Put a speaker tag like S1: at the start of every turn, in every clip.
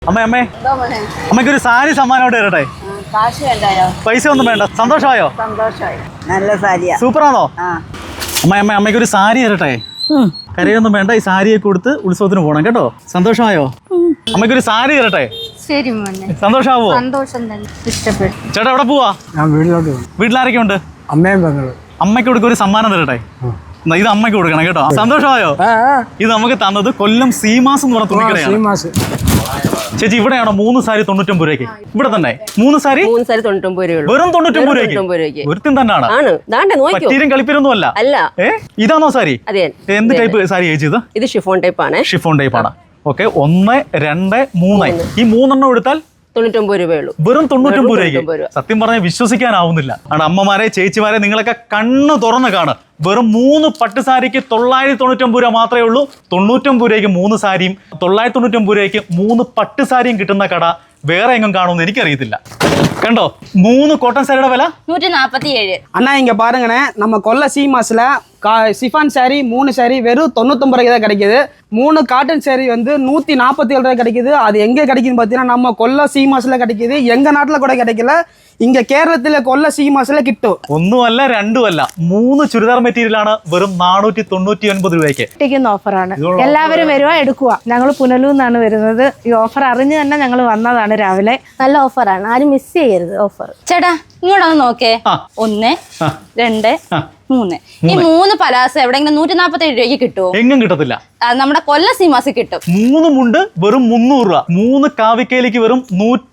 S1: അമ്മേ അമ്മയ്ക്കൊരു സാരി സമ്മാനമായിട്ട് തരട്ടെ.
S2: കാശ് വേണ്ടായോ?
S1: പൈസ ഒന്നും വേണ്ട. സന്തോഷമായോ?
S2: സന്തോഷമായി. നല്ല സാരിയാ.
S1: സൂപ്പറാണോ? അമ്മയ്ക്കൊരു സാരി തരട്ടെ. കരയൊന്നും വേണ്ട. ഈ സാരിയെ കൊടുത്ത് ഉത്സവത്തിന് പോകണം കേട്ടോ. സന്തോഷമായോ? അമ്മയ്ക്കൊരു സാരി തരട്ടെ.
S3: ശരി മോനെ.
S1: സന്തോഷാവോ?
S3: സന്തോഷം തന്നെ. ഇഷ്ടപ്പെട്ടു.
S1: ചേട്ടാ എവിടെ പോവാ?
S4: ഞാൻ വീട്ടിലോട്ട് പോകും.
S1: വീട്ടിലാരൊക്കെ ഉണ്ട്?
S4: അമ്മയും പെങ്ങളും.
S1: അമ്മയ്ക്ക് കൊടുക്ക ഒരു സമ്മാനം തരട്ടെ. ഇത് അമ്മയ്ക്ക് കൊടുക്കണം കേട്ടോ. സന്തോഷമായോ? ഇത് നമുക്ക് തന്നത് കൊല്ലം സീമാസ് എന്ന് പറഞ്ഞ തുണിക്കടയാണ്. ചേച്ചി ഇവിടെയാണോ 3 സാരി 99 രൂപയ്ക്ക്? ഇവിടെ തന്നെ 3 സാരി
S2: 99 രൂപ.
S1: വെറും 99 രൂപയ്ക്ക്. ഒരുത്തും തന്നെയാണ്. പറ്റീരും കളിപ്പീരൊന്നും അല്ല. ഇതാണോ സാരി? എന്ത് ടൈപ്പ് സാരി ചേച്ചി?
S2: ഇത് ഷിഫോൺ ടൈപ്പ് ആണ്.
S1: ഷിഫോൺ ടൈപ്പ് ആണ്. ഓക്കെ, 1, 2, 3 ഈ 3 എണ്ണം എടുത്താൽ
S2: 99 രൂപയുള്ളൂ.
S1: വെറും 99 രൂപയ്ക്ക്. സത്യം പറഞ്ഞാൽ വിശ്വസിക്കാനാവുന്നില്ല. ആണ് അമ്മമാരെ ചേച്ചിമാരെ നിങ്ങളൊക്കെ കണ്ണ് തുറന്ന് കാണും. വെറും 3 പട്ടുസാരിക്ക് 999 രൂപ മാത്രമേ ഉള്ളൂ. 99 രൂപയ്ക്ക് 3 സാരിയും 999 രൂപയ്ക്ക് 3 പട്ടുസാരിയും കിട്ടുന്ന കട വേറെ എങ്ങും കാണുമെന്ന് എനിക്കറിയത്തില്ല. கண்டோ 3 காட்டன் சாரியோட விலை
S5: 147.
S4: அண்ணா இங்க பாருங்கண்ணே, நம்ம கொல்ல சீமாஸ்ல சிஃபான் சாரி 3 சாரி வெறும் 99 ரூபாய்க்கு தான் கிடைக்குது. 3 காட்டன் சாரி வந்து 147 ரூபாய் கிடைக்குது. அது எங்க கிடைக்குதுன்னு பார்த்தீங்கன்னா நம்ம கொல்ல சீமாஸ்ல கிடைக்குது. எங்க நாட்டில் கூட கிடைக்கல. இங்க കേരളത്തിലെ കൊല്ല സീമാസിലെ കിട്ടും.
S1: ഒന്നുമല്ല രണ്ടുമല്ല 3 ചുരിദാർ മെറ്റീരിയൽ ആണ് വെറും 499 രൂപയ്ക്ക്.
S6: ടിക്കുന്ന ഓഫറാണ്. എല്ലാവരും വരുവാ എടുക്കുക. ഞങ്ങൾ പുനലൂന്നാണ് വരുന്നത്. ഈ ഓഫർ അറിഞ്ഞ് തന്നെ ഞങ്ങൾ വന്നതാണ് രാവിലെ.
S3: നല്ല ഓഫറാണ്, ആരും മിസ് ചെയ്യരുത് ഓഫർ. ചേട്ടാ ഇങ്ങോട്ടൊന്ന് നോക്കേ. 1, 2, 3 ഈ 3 പലാസ എവിടെയെങ്കിലും 147 രൂപയ്ക്ക് കിട്ടുമോ?
S1: എങ്ങും കിട്ടത്തില്ല.
S5: നമ്മുടെ കൊല്ല സീമാസിൽ കിട്ടും.
S1: 3 മുണ്ട് വെറും 300 രൂപ. 3 കാവിക്കയിലേക്ക് വെറും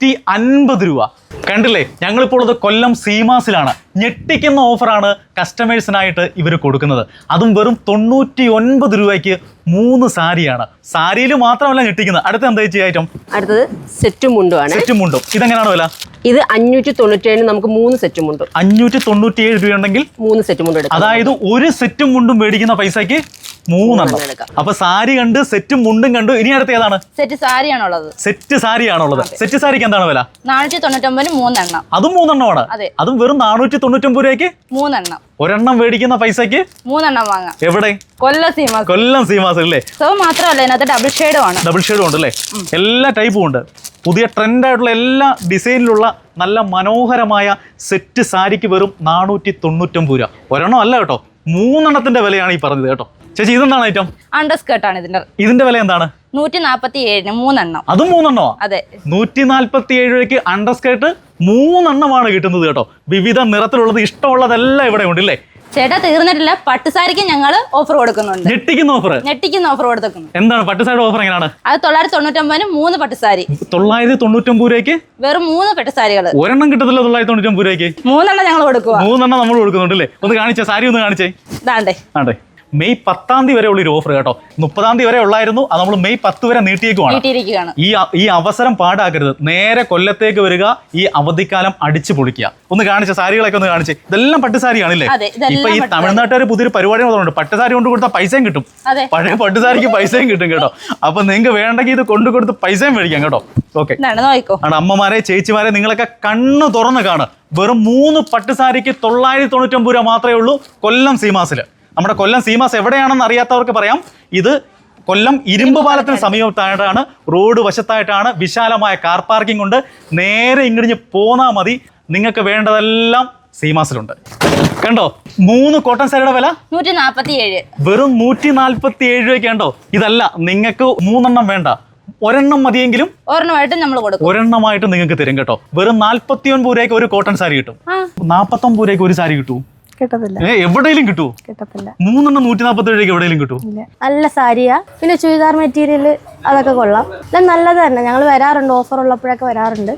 S1: 150 രൂപ. കണ്ടില്ലേ, ഞങ്ങളിപ്പോൾ ഉള്ളത് കൊല്ലം സീമാസിലാണ്. ഞെട്ടിക്കുന്ന ഓഫറാണ് കസ്റ്റമേഴ്സിനായിട്ട് ഇവർ കൊടുക്കുന്നത്. അതും വെറും 99 രൂപയ്ക്ക് 3 സാരിയാണ്. സാരിയിൽ മാത്രമല്ല ഞെട്ടിക്കുന്നത്. അടുത്ത എന്താ ഐറ്റം?
S2: അടുത്തത് സെറ്റും മുണ്ടുമാണ്.
S1: സെറ്റും മുണ്ടും ഇതെങ്ങനെയാണ് വില?
S2: ഇത് 597 നമുക്ക് 3 സെറ്റും മുണ്ടും.
S1: 597 രൂപ ഉണ്ടെങ്കിൽ
S2: 3 സെറ്റും മുണ്ടും എടുക്കാം.
S1: അതായത് ഒരു സെറ്റും മുണ്ടും മേടിക്കുന്ന പൈസക്ക് 3 എണ്ണം. അപ്പൊ സാരി കണ്ട് സെറ്റും മുണ്ടും കണ്ടു. ഇനി അടുത്ത ഏതാണ്?
S5: സെറ്റ് സാരിയാണുള്ളത്.
S1: സെറ്റ് സാരിയാണുള്ളത്. സെറ്റ് സാരിക്ക് എന്താണ് വില?
S5: 499 3 എണ്ണം.
S1: അതും 3 എണ്ണമാണ്. അതും വെറും 499 രൂപയ്ക്ക്
S5: 3 എണ്ണം.
S1: ഒരെണ്ണം മേടിക്കുന്ന പൈസക്ക്
S5: 3 എണ്ണം വാങ്ങാം.
S1: എവിടെ?
S5: കൊല്ലം സീമാസ്.
S1: കൊല്ലം സീമാസ് അല്ലേ?
S5: മാത്രമല്ല ഇതിനകത്ത് ഡബിൾ ഷെയ്ഡും ആണ്.
S1: ഡബിൾ ഷെയ്ഡും ഉണ്ട് അല്ലേ? എല്ലാ ടൈപ്പും ഉണ്ട്. പുതിയ ട്രെൻഡായിട്ടുള്ള എല്ലാ ഡിസൈനിലുള്ള നല്ല മനോഹരമായ സെറ്റ് സാരിക്ക് വെറും 499 രൂപ. ഒരെണ്ണം അല്ല കേട്ടോ, 3 എണ്ണത്തിന്റെ വിലയാണ് ഈ പറഞ്ഞത് കേട്ടോ. ചേച്ചി ഇതെന്താണ് ഐറ്റം?
S5: അണ്ടർസ്കേർട്ടാണ്
S1: ഇതിന്റെ വില എന്താണ്?
S5: 147 3 എണ്ണം.
S1: അതും 3 എണ്ണോ?
S5: അതെ,
S1: 147 രൂപയ്ക്ക് അണ്ടർസ്കേർട്ട് 3 എണ്ണമാണ് കിട്ടുന്നത് കേട്ടോ. വിവിധ നിറത്തിലുള്ളത് ഇഷ്ടമുള്ളതെല്ലാം ഇവിടെ ഉണ്ട് ഇല്ലേ?
S5: ചേട്ടാ തീർന്നിട്ടില്ല, പട്ടുസാരിക്ക് ഞങ്ങൾ ഓഫർ കൊടുക്കുന്നുണ്ട്.
S1: ഞെട്ടിക്കുന്ന ഓഫർ
S5: കൊടുക്കുന്നു.
S1: എന്താണ് പട്ടുസാരിയുടെ ഓഫർ? എങ്ങനെയാണ്?
S5: അത് 999 3 പട്ടുസാരി.
S1: 999 രൂപയ്ക്ക്
S5: വെറും 3 പട്ടുസാരികൾ.
S1: ഒരെണ്ണം കിട്ടത്തില്ല 999 രൂപയ്ക്ക്.
S5: 3 എണ്ണം ഞങ്ങൾ കൊടുക്കുക.
S1: 3 എണ്ണം നമ്മൾ കൊടുക്കുന്നുണ്ട് അല്ലേ? ഒന്ന് കാണിച്ചേ, സാരി ഒന്ന് കാണിച്ചേ.
S5: ഇതാണ്ടേ.
S1: മെയ് 10-ാം തീയതി വരെ ഉള്ളൊരു ഓഫർ കേട്ടോ. 30-ാം തീയതി വരെ ഉള്ളായിരുന്നു. അത് നമ്മൾ മെയ് 10 വരെ നീട്ടിയിരിക്കുകയാണ്. ഈ അവസരം പാടാക്കരുത്. നേരെ കൊല്ലത്തേക്ക് വരിക. ഈ അവധിക്കാലം അടിച്ചു പൊളിക്കുക. ഒന്ന് കാണിച്ച സാരികളൊക്കെ ഒന്ന് കാണിച്ചേ. ഇതെല്ലാം പട്ടുസാരിയാണല്ലേ? ഇപ്പൊ ഈ തമിഴ്നാട്ടുകാർ പുതിയൊരു പരിപാടി നോക്കുന്നുണ്ട്. പട്ടുസാരി കൊണ്ട് കൊടുത്താൽ പൈസയും കിട്ടും. പഴയ പട്ടുസാരിക്ക് പൈസയും കിട്ടും കേട്ടോ. അപ്പൊ നിങ്ങൾക്ക് വേണ്ടെങ്കിൽ ഇത് കൊണ്ടു കൊടുത്ത് പൈസയും മേടിക്കാം കേട്ടോ. ഓക്കെ, അമ്മമാരെ ചേച്ചിമാരെ നിങ്ങളൊക്കെ കണ്ണ് തുറന്ന് കാണുക. വെറും 3 പട്ടുസാരിക്ക് 999 രൂപ മാത്രമേ ഉള്ളൂ കൊല്ലം സീമാസിൽ. നമ്മുടെ കൊല്ലം സീമാസ് എവിടെയാണെന്ന് അറിയാത്തവർക്ക് പറയാം. ഇത് കൊല്ലം ഇരുമ്പ് പാലത്തിന് സമീപത്തായിട്ടാണ്. റോഡ് വശത്തായിട്ടാണ്. വിശാലമായ കാർ പാർക്കിംഗ് ഉണ്ട്. നേരെ ഇങ്ങടിഞ്ഞ് പോന്നാൽ മതി. നിങ്ങൾക്ക് വേണ്ടതെല്ലാം സീമാസിലുണ്ട്. കണ്ടോ, 3 കോട്ടൺ സാരിയുടെ വില
S5: 147.
S1: വെറും 147 രൂപയ്ക്ക്. കണ്ടോ, ഇതല്ല നിങ്ങൾക്ക് 3 എണ്ണം വേണ്ട, ഒരെണ്ണം മതിയെങ്കിലും ഒരെണ്ണമായിട്ട് നിങ്ങൾക്ക് തരും കേട്ടോ. വെറും 49 രൂപയ്ക്ക് ഒരു കോട്ടൺ സാരി കിട്ടും. 49 രൂപയ്ക്ക് ഒരു സാരി കിട്ടും. എവിടെയെങ്കിലും കിട്ടുമോ? 3 എണ്ണം 147 രൂപയ്ക്ക് എവിടെയെങ്കിലും കിട്ടും.
S3: നല്ല സാരിയാ. പിന്നെ ചുരിദാർ മെറ്റീരിയൽ അതൊക്കെ കൊള്ളാം. നല്ലത് തന്നെ. ഞങ്ങൾ വരാറുണ്ട്, ഓഫർ ഉള്ളപ്പോഴൊക്കെ വരാറുണ്ട്.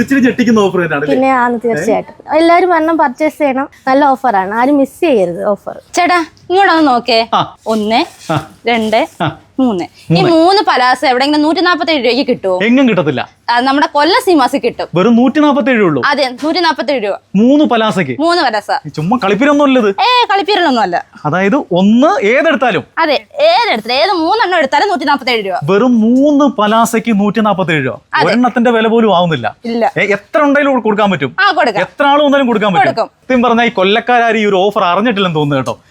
S3: പിന്നെ ആണ് തീർച്ചയായിട്ടും എല്ലാവരും വരണം, പർച്ചേസ് ചെയ്യണം. നല്ല ഓഫറാണ്, ആരും മിസ് ചെയ്യരുത് ഓഫർ.
S5: ചേട്ടാ ഇങ്ങോട്ടൊന്ന് നോക്കേ. 1, 2, 3 ഈ 3 പലാസ എവിടെയെങ്കിലും 147 രൂപയ്ക്ക് കിട്ടുമോ?
S1: എങ്ങും കിട്ടത്തില്ല.
S5: നമ്മുടെ കൊല്ലം സീമാസിൽ കിട്ടും.
S1: വെറും 147 ഉള്ളൂ.
S5: അതെ, 147 രൂപ
S1: 3 പലാസക്ക്.
S5: 3 പലാസ.
S1: ചുമ്മാ കളിപ്പിരൊന്നുമല്ലത്.
S5: കളിപ്പിരൊന്നും അല്ല.
S1: അതായത് ഒന്ന് ഏതെടുത്താലും
S5: അതെ, ഏത് 3 എണ്ണം എടുത്താലും 147 രൂപ.
S1: വെറും 3 പലാസക്ക് 147 രൂപ. ഒരെണ്ണത്തിന്റെ വില പോലും ആവുന്നില്ല. എത്ര ഉണ്ടെങ്കിലും കൊടുക്കാൻ പറ്റും. എത്ര ആളും ഒന്നാലും കൊടുക്കാൻ പറ്റും. സത്യം പറഞ്ഞാൽ ഈ കൊല്ലക്കാരും ഈ ഒരു ഓഫർ അറിഞ്ഞിട്ടില്ലെന്ന് തോന്നുന്നു കേട്ടോ. അല്ലെങ്കിൽ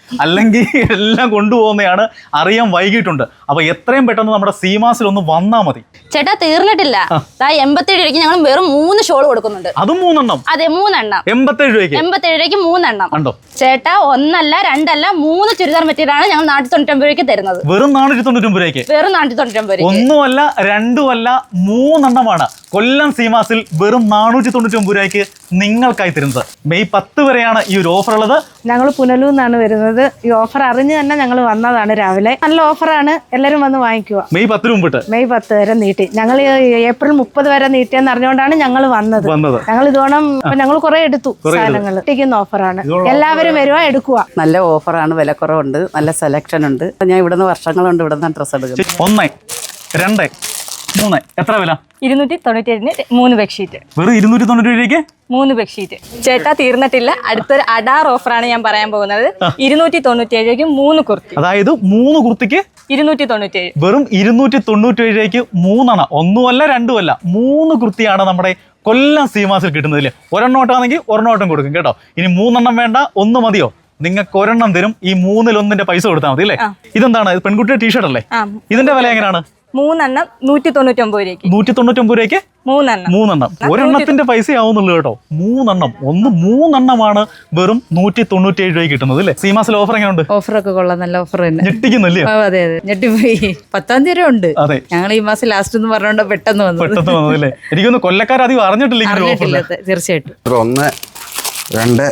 S1: അല്ലെങ്കിൽ എല്ലാം കൊണ്ടുപോകുന്നതാണ്. അറിയാൻ വൈകിട്ടുണ്ട്. അപ്പൊ എത്രയും പെട്ടെന്ന് നമ്മുടെ സീമാസിൽ ഒന്ന് വന്നാ മതി.
S5: ചേട്ടാ തീർന്നിട്ടില്ല. 87 രൂപയ്ക്ക് ഞങ്ങൾ വെറും 3 ഷോൾ കൊടുക്കുന്നുണ്ട്.
S1: അതും 3 എണ്ണം.
S5: അതെ 3 എണ്ണം.
S1: 87 രൂപയ്ക്ക്
S5: 87 രൂപയ്ക്ക് 3 എണ്ണം.
S1: കണ്ടോ
S5: ചേട്ടാ 1 അല്ല 2 അല്ല 3 ചുരിദാർ മെറ്റീരിയലാണ് ഞങ്ങൾ 499 രൂപയ്ക്ക് തരുന്നത്.
S1: വെറും 499 രൂപയ്ക്ക്.
S5: വെറും 499 രൂപ.
S1: ഒന്നുമല്ല 2 അല്ല 3 എണ്ണമാണ് കൊല്ലം സീമാസിൽ വെറും 499 രൂപയ്ക്ക് നിങ്ങൾക്കായി തരുന്നത്. മെയ് 10 വരെയാണ് ഈ ഒരു ഓഫർ ഉള്ളത്.
S6: ഞങ്ങൾ പുനലൂന്നാണ് വരുന്നത്. ഈ ഓഫർ അറിഞ്ഞ് തന്നെ ഞങ്ങൾ വന്നതാണ് രാവിലെ. നല്ല ഓഫറാണ്, എല്ലാവരും വന്ന് വാങ്ങിക്കുക.
S1: മെയ് 10 മുമ്പിട്ട്
S6: മെയ് 10 വരെ നീട്ടി. ഞങ്ങൾ ഏപ്രിൽ 30 വരെ നീട്ടിയെന്ന് അറിഞ്ഞുകൊണ്ടാണ് ഞങ്ങൾ വന്നത്. ഞങ്ങൾ ഇതോണം ഞങ്ങൾ കുറെ എടുത്തു സാധനങ്ങൾ. ടിക്കുന്ന ഓഫറാണ്, എല്ലാവരും വരുക എടുക്കുക.
S7: നല്ല ഓഫറാണ്, വിലക്കുറവുണ്ട്, നല്ല സെലക്ഷൻ ഉണ്ട്. ഞാൻ ഇവിടുന്ന് വർഷങ്ങളുണ്ട് ഇവിടുന്ന് ഡ്രസ്സ് എടുക്കുന്നത്.
S1: 1, 2, 3 എത്ര വില?
S5: 297 3 ബെഡ്ഷീറ്റ്.
S1: വെറും 290 രൂപയ്ക്ക്
S5: 3 ബെഡ്ഷീറ്റ്. ചേട്ടാ തീർന്നിട്ടില്ല, അടുത്തൊരു അഡാർ ഓഫറാണ് ഞാൻ പറയാൻ പോകുന്നത്. 297 രൂപയ്ക്ക് 3 കുർത്തി.
S1: അതായത് 3 കുർത്തിക്ക്
S5: 297.
S1: വെറും 297 രൂപയ്ക്ക് 3 എണ്ണം. ഒന്നുമല്ല 2 അല്ല 3 കുർത്തിയാണ് നമ്മുടെ കൊല്ലം സീമാസിൽ കിട്ടുന്നതില്ലേ. ഒരെണ്ണോട്ടാണെങ്കിൽ ഒരെണ്ണോട്ടം കൊടുക്കും കേട്ടോ. ഇനി 3 എണ്ണം വേണ്ട, 1 മതിയോ? നിങ്ങൾക്ക് 1 എണ്ണം തരും. ഈ 3-ൽ 1-ന്റെ പൈസ കൊടുത്താൽ മതി അല്ലേ. ഇതെന്താണ്? പെൺകുട്ടിയുടെ ടീഷർട്ട് അല്ലേ? ഇതിന്റെ വില എങ്ങനെയാണ്?
S5: 3 എണ്ണം 199 രൂപയ്ക്ക്.
S1: 199 രൂപയ്ക്ക്
S5: 3 എണ്ണം.
S1: 3 എണ്ണം. ഒരെണ്ണത്തിന്റെ പൈസ ആവുന്നുള്ളൂ കേട്ടോ. 3 എണ്ണം. 3 എണ്ണമാണ് വെറും 197 രൂപയ്ക്ക് കിട്ടുന്നത് അല്ലേ. സീമാസിൽ ഓഫർ എങ്ങനെയുണ്ട്?
S8: ഓഫറൊക്കെ കൊള്ളാം, നല്ല ഓഫർ തന്നെ.
S1: ഞെട്ടിക്കുന്നില്ലേ?
S8: അതെ അതെ, ഞെട്ടിപ്പോയി. 10-ാം തീയതി വരെ ഉണ്ട്.
S1: അതെ,
S8: ഞങ്ങൾ ഈ മാസം ലാസ്റ്റ് എന്ന് പറഞ്ഞോണ്ട് പെട്ടെന്ന്
S1: വന്നതല്ലേ. എനിക്കൊന്ന് കൊല്ലക്കാരധികം അറിഞ്ഞിട്ടില്ല.
S8: തീർച്ചയായിട്ടും.
S9: 1, 2,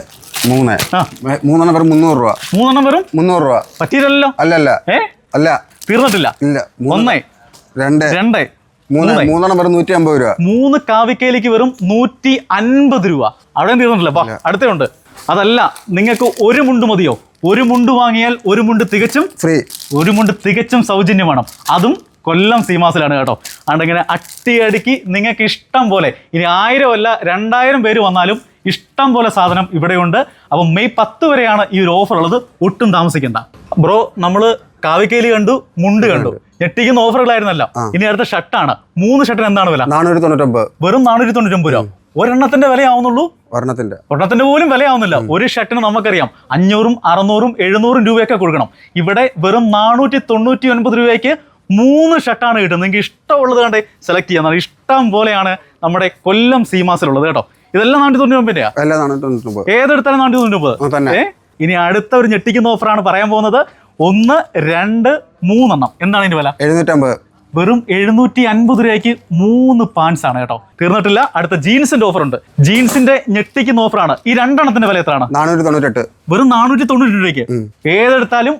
S9: 3 മൂന്നെണ്ണം വെറും 300 രൂപ.
S1: 3 എണ്ണം വെറും
S9: 300 രൂപ.
S1: പറ്റിയില്ലല്ലോ.
S9: അല്ല
S1: തീർന്നിട്ടില്ല.
S9: ഇല്ല.
S1: 1, 2,
S9: 3 മൂന്നെണ്ണം വെറും 150 രൂപ.
S1: 3 കാവിക്കയിലേക്ക് വെറും 150 രൂപ. അവിടെ തീർന്നിട്ടില്ല. അടുത്തുണ്ട്. അതല്ല, നിങ്ങൾക്ക് 1 മുണ്ട് മതിയോ? 1 മുണ്ട് വാങ്ങിയാൽ 1 മുണ്ട് തികച്ചും ഫ്രീ. 1 മുണ്ട് തികച്ചും സൗജന്യമാണ്. അതും കൊല്ലം സീമാസിലാണ് കേട്ടോ. അതുകൊണ്ടിങ്ങനെ അട്ടിയടിക്ക് നിങ്ങൾക്ക് ഇഷ്ടം പോലെ, ഇനി 1000 അല്ല 2000 പേര് വന്നാലും ഇഷ്ടം പോലെ സാധനം ഇവിടെയുണ്ട്. അപ്പം മെയ് 10 വരെയാണ് ഈ ഒരു ഓഫർ ഉള്ളത്. ഒട്ടും താമസിക്കണ്ട. ബ്രോ, നമ്മള് കാവിക്കയില് കണ്ടു, മുണ്ട് കണ്ടു, ഞെട്ടിക്കുന്ന ഓഫറുകളായിരുന്നല്ലോ. ഇനി അടുത്ത ഷർട്ടാണ്. 3 ഷർട്ടിന് എന്താണ് വില?
S9: 499.
S1: വെറും 499 രൂപ. ഒരെണ്ണത്തിന്റെ വിലയാവുന്നുള്ളൂ. ഒരെണ്ണത്തിന്റെ പോലും വിലയാവുന്നില്ല. ഒരു ഷർട്ടിന് നമുക്കറിയാം 500, 600, 700 രൂപയൊക്കെ കൊടുക്കണം. ഇവിടെ വെറും 499 രൂപയ്ക്ക് 3 ഷർട്ടാണ് കിട്ടുന്നത്. നിങ്ങൾക്ക് ഇഷ്ടമുള്ളത് കണ്ടേ സെലക്ട് ചെയ്യാം. ഇഷ്ടം പോലെയാണ് നമ്മുടെ കൊല്ലം സീമാസിലുള്ളത് കേട്ടോ. ഇതെല്ലാം 499. ഏതെടുത്താലും 499. ഇനി അടുത്ത ഒരു ഞെട്ടിക്കുന്ന ഓഫറാണ് പറയാൻ പോകുന്നത്. 1, 2, 3 എണ്ണം. എന്താണ് ഇതിന്റെ വില?
S9: 750.
S1: വെറും 750 രൂപയ്ക്ക് 3 പാൻസ് ആണ് കേട്ടോ. തീർന്നിട്ടില്ല. അടുത്ത ജീൻസിന്റെ ഓഫർ ഉണ്ട്. ജീൻസിന്റെ ഞെട്ടിക്കുന്ന ഓഫറാണ്. ഈ 2 എണ്ണത്തിന്റെ വില എത്രയാണ്?
S9: 498.
S1: വെറും 490 രൂപയ്ക്ക് ഏതെടുത്താലും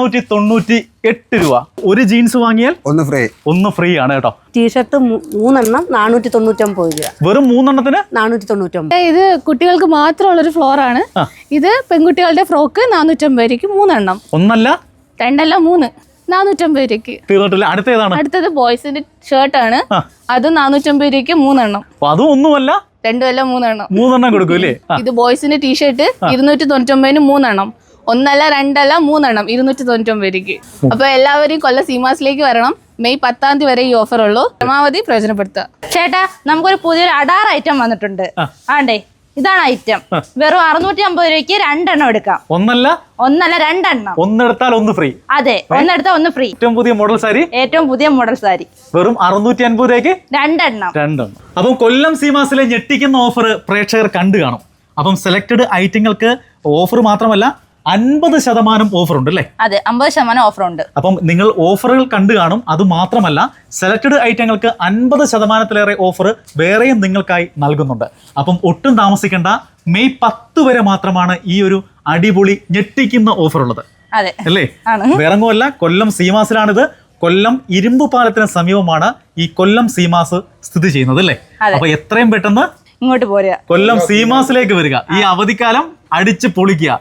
S1: 498 രൂപ. ഒരു ജീൻസ് വാങ്ങിയാൽ 1 ഫ്രീ ആണ് കേട്ടോ.
S2: ടീഷർട്ട് 3 എണ്ണം 499 രൂപ.
S1: വെറും 3 എണ്ണത്തിന്
S2: 499.
S3: ഇത് കുട്ടികൾക്ക് മാത്രമുള്ളൊരു ഫ്ലോർ ആണ്. ഇത് പെൺകുട്ടികളുടെ ഫ്രോക്ക് 450 രൂപയ്ക്ക് 3 എണ്ണം.
S1: 1 അല്ല
S3: 2 അല്ല 3, 450 രൂപയ്ക്ക്.
S1: തീർന്നിട്ടില്ല. അടുത്ത ഏതാണ്?
S3: അടുത്തത് ബോയ്സിന്റെ ഷർട്ടാണ്. അത് 450 രൂപയ്ക്ക് 3 എണ്ണം.
S1: അതും ഒന്നുമല്ല
S3: 2 അല്ല 3 എണ്ണം.
S1: 3 എണ്ണം കൊടുക്കും അല്ലേ.
S3: ഇത് ബോയ്സിന്റെ ടീഷർട്ട് 299 3 എണ്ണം. 1 അല്ല 2 അല്ല 3 എണ്ണം 299 രൂപയ്ക്ക്. അപ്പൊ എല്ലാവരും കൊല്ലം സീമാസിലേക്ക് വരണം. മെയ് 10-ാം തീയതി വരെ ഈ ഓഫർ ഉള്ളൂ. പരമാവധി പ്രയോജനപ്പെടുത്തുക.
S5: ചേട്ടാ നമുക്കൊരു പുതിയൊരു അഡാർ ഐറ്റം വന്നിട്ടുണ്ട്. ആണ്ടേ, ഇതാണ് ഐറ്റം. വെറും 650 രൂപയ്ക്ക് 2 എണ്ണം എടുക്കാം.
S1: 1 അല്ല
S5: 2 എണ്ണം.
S1: 1 എടുത്താൽ 1 ഫ്രീ.
S5: അതെ, 1 എടുത്താൽ 1 ഫ്രീ.
S1: ഏറ്റവും പുതിയ മോഡൽ സാരി.
S5: ഏറ്റവും പുതിയ മോഡൽ സാരി
S1: വെറും 650 രൂപയ്ക്ക്
S5: 2 എണ്ണം.
S1: 2 എണ്ണം. അപ്പം കൊല്ലം സീമാസിലെ ഞെട്ടിക്കുന്ന ഓഫർ പ്രേക്ഷകർ കണ്ടു കാണും. അപ്പം സെലക്ടഡ് ഐറ്റങ്ങൾക്ക് ഓഫർ മാത്രമല്ല 50% ഓഫർ ഉണ്ട് അല്ലേ?
S5: അതെ, 50% ഓഫർ ഉണ്ട്.
S1: അപ്പം നിങ്ങൾ ഓഫറുകൾ കണ്ടു കാണും. അത് മാത്രമല്ല സെലക്ടഡ് ഐറ്റങ്ങൾക്ക് 50%-ലേറെ ഓഫർ വേറെയും നിങ്ങൾക്കായി നൽകുന്നുണ്ട്. അപ്പം ഒട്ടും താമസിക്കേണ്ട. മെയ് 10 വരെ മാത്രമാണ് ഈ ഒരു അടിപൊളി ഞെട്ടിക്കുന്ന ഓഫർ ഉള്ളത്.
S5: അതെ
S1: അല്ലേ? വേറെങ്ങുമല്ല, കൊല്ലം സീമാസിലാണിത്. കൊല്ലം ഇരുമ്പ് പാലത്തിന് സമീപമാണ് ഈ കൊല്ലം സീമാസ് സ്ഥിതി ചെയ്യുന്നത് അല്ലേ. അപ്പൊ എത്രയും പെട്ടെന്ന്
S5: ഇങ്ങോട്ട് പോരുക.
S1: കൊല്ലം സീമാസിലേക്ക് വരിക. ഈ അവധിക്കാലം അടിച്ച് പൊളിക്കുക.